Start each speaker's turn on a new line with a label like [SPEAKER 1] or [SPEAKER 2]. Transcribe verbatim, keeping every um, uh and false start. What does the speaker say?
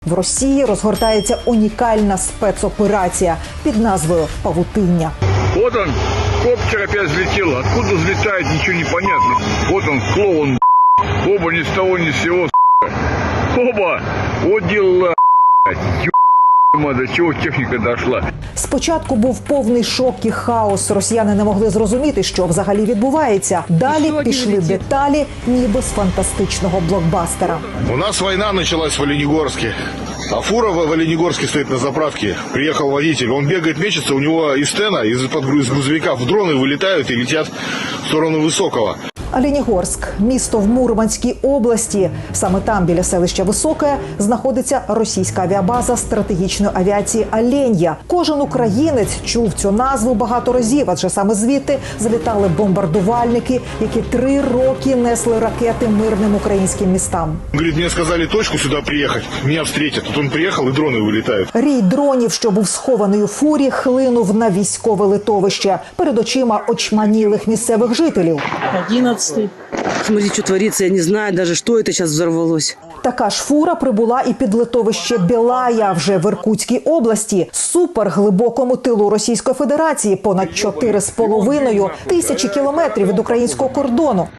[SPEAKER 1] В Росії розгортається унікальна спецоперація під назвою «Павутиння».
[SPEAKER 2] Вот он, коптер опять взлетел. Откуда взлетает, ничего не понятно. Вот он, клоун, оба ни с того ни с сего, оба, вот дела, до чего техника дошла.
[SPEAKER 1] Спочатку був повний шок і хаос. Росіяни не могли зрозуміти, що взагалі відбувається. Далі пішли деталі, ніби з фантастичного блокбастера.
[SPEAKER 3] У нас война началась в Оленегорске. А фура в Оленегорске стоит на заправке. Приехал водитель, он бегает, мечется, у него из стена, из-под из грузовика в дроны вылетают и летят в сторону Высокого.
[SPEAKER 1] Оленегорськ – місто в Мурманській області. Саме там, біля селища Високе, знаходиться російська авіабаза стратегічної авіації «Оленя». Кожен українець чув цю назву багато разів, адже саме звідти залітали бомбардувальники, які три роки несли ракети мирним українським містам.
[SPEAKER 3] Он говорит, мне сказали точку сюда приехать, меня встретят. Тут он приехал, и дроны вылетают.
[SPEAKER 1] Рій дронів, що був схований у фурі, хлинув на військове литовище перед очима очманілих місцевих жителів.
[SPEAKER 4] одиннадцатый. Смотрите, что творится, я не знаю даже, что это сейчас взорвалось.
[SPEAKER 1] Така ж фура прибула і під литовище Білая, вже в Іркутській області, суперглибокому тилу Російської Федерації, понад чотири з половиною тисячі кілометрів від українського кордону.